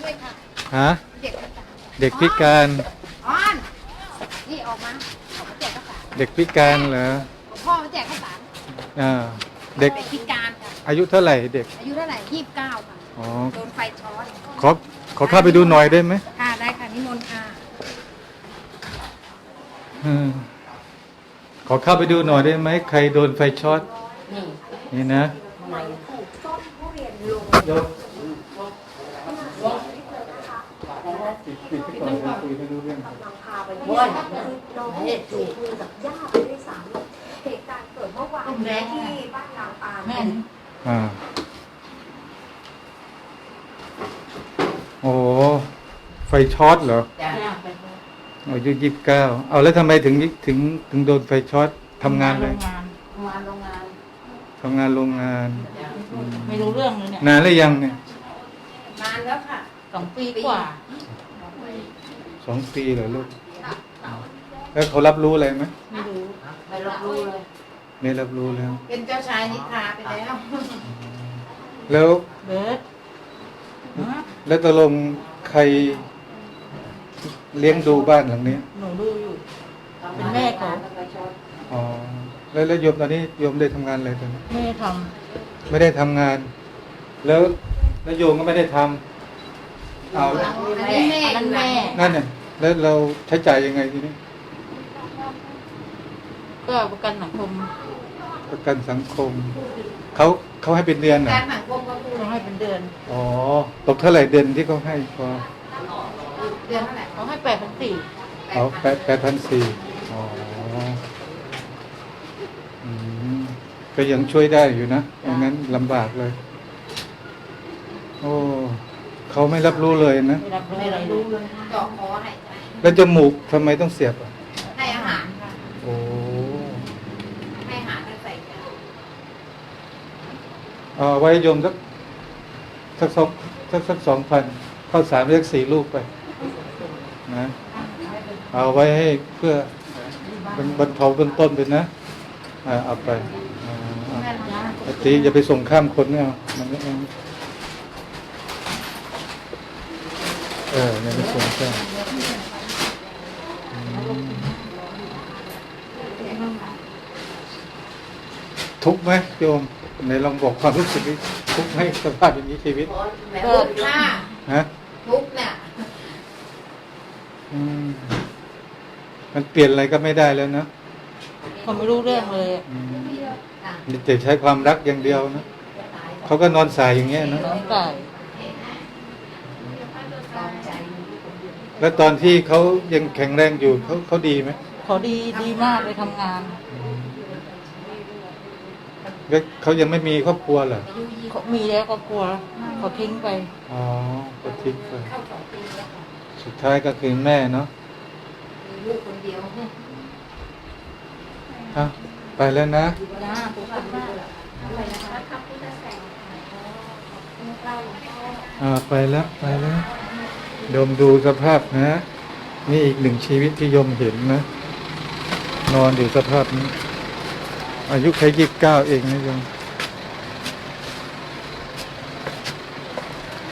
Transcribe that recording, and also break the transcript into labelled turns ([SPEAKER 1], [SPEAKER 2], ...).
[SPEAKER 1] ด้วยค่ะ
[SPEAKER 2] ฮะ
[SPEAKER 1] เด็กพิการ
[SPEAKER 2] เด็กพิการ
[SPEAKER 1] อ้อนนี่ออกมาแจกข้าวสาร
[SPEAKER 2] เด็กพิการเหรอ
[SPEAKER 1] พ่อมาแจกข้าวสาร
[SPEAKER 2] เด็ก
[SPEAKER 1] พิการค่ะ
[SPEAKER 2] อายุเท่าไหร่เด็ก
[SPEAKER 1] อายุเท่าไหร่29ค่ะ
[SPEAKER 2] อ๋อ
[SPEAKER 1] โดนไฟช็อต
[SPEAKER 2] ขอเข้าไปดูหน่อยได้ไหม
[SPEAKER 1] ค่ะได้ค่ะนิมนต์ค่ะ
[SPEAKER 2] อืมขอเข้าไปดูหน่อยได้ไหมใครโดนไฟช็อตนี่นะโยมปิดก่อนคุยไม่รู้เรื่อง
[SPEAKER 3] น้องคุยกับย่าไปด้วยซ้ำเหตุการณ์เกิดเมื่อวานที่บ้านนางปาน
[SPEAKER 2] โอ้ไฟช็อตเหรออายุ29เอาแล้วทำไมถึงโดนไฟช็อตทำงานเลยทำงานโรงงาน
[SPEAKER 4] ไม่รู้เรื่องเลยเนี่ย
[SPEAKER 2] นานหรือยังเนี่ย
[SPEAKER 1] นานแล้วค่ะ
[SPEAKER 4] 2 ปีกว่า
[SPEAKER 2] 2 ปีเหรอลูกแล้วเขารับรู้อะไรไหม
[SPEAKER 4] ไม่รู้
[SPEAKER 1] ไม่รับรู้เลย
[SPEAKER 2] ไม่รับรู้แล้ว
[SPEAKER 1] เป็นเจ้าชายนิทราไปแล้ว
[SPEAKER 2] แล้ว
[SPEAKER 4] เบิร์ดฮะ
[SPEAKER 2] แล้วตกลงใครเลี้ยงดูบ้านหลังนี้
[SPEAKER 4] หนูดูอยู่ เป็นแม่เขา
[SPEAKER 2] อ๋อแล้วโยมตอนนี้โยมได้ทำงานอะไรตอนนี้
[SPEAKER 4] แม่ท
[SPEAKER 2] ไม่ได้ทำงาน แล้วโยมก็ไม่ได้ทำเอา
[SPEAKER 1] อันนี้แม่
[SPEAKER 4] ำนั่นแม่
[SPEAKER 2] นั่นเนี่ยแล้วเราใช้จ่ายยังไงทีนี้
[SPEAKER 4] ก็ประกันสังคม
[SPEAKER 2] ประกันสังคมเขาให้เป็นเดือนเหรอ
[SPEAKER 1] การสังคมก็คือ
[SPEAKER 4] ต้องให้เป็นเดือน
[SPEAKER 2] อ๋อตกเท่าไหร่เดือนที่เขาให้พอ
[SPEAKER 1] เดือนเท่าไหร่
[SPEAKER 4] เขาให้8,400
[SPEAKER 2] เอา8,400อ๋ออืมก็ยังช่วยได้อยู่นะอย่างนั้นลำบากเลย โอ้เขาไม่รับรู้เลยนะ
[SPEAKER 4] ไม่รับรู้อะไรเลย
[SPEAKER 1] เจาะคอให้ใจ
[SPEAKER 2] แล้วจมูกทำไมต้องเสียบอ่ะ
[SPEAKER 1] ให้อาหารค่ะ
[SPEAKER 2] โอ้
[SPEAKER 1] ให้อาหารแล้วใส่ยา
[SPEAKER 2] เอาไว้โยมสัก2,000ข้าวสารเรียก4 ลูกไปนะเอาไว้ให้เพื่อบรรเทาเบื้องต้นไปนะเอาไปเอาตีอย่าไปส่งข้ามคนเนี่ยมันก็อย่าไปส่งข้ามทุกข์ไหมโยมไหนลองบอกความรู้สึกนี้ทุกข์ไหมสภาพอย่างนี้ชีวิต
[SPEAKER 1] แม่ทุกข์ค่ะ
[SPEAKER 2] ฮะ
[SPEAKER 1] ทุกข์เนี่ย
[SPEAKER 2] มันเปลี่ยนอะไรก็ไม่ได้แล้วนะ
[SPEAKER 4] เขาไม่รู้เรื่องเลย
[SPEAKER 2] มีแต่ใช้ความรักอย่างเดียวนะเขาก็นอนสายอย่างเงี้ยนะ
[SPEAKER 4] น้องตาย
[SPEAKER 2] แล้วตอนที่เขายังแข็งแรงอยู่เขาดีไหม
[SPEAKER 4] เขาดีมากเลยทำงาน
[SPEAKER 2] แล้วเขายังไม่มีครอบครัวเหรอ
[SPEAKER 4] เขามีแล้วก็กลัวเขาทิ้งไป
[SPEAKER 2] อ๋อก็ทิ้งไปสุดท้ายก็คือแม่เนาะ
[SPEAKER 1] มีลูกคนเดียว
[SPEAKER 2] ไปแล้วนะไปแล้วโยมดูสภาพนะนี่อีกหนึ่งชีวิตที่โยมเห็นนะนอนอยู่สภาพนี้อายุแค่29เองนะโยม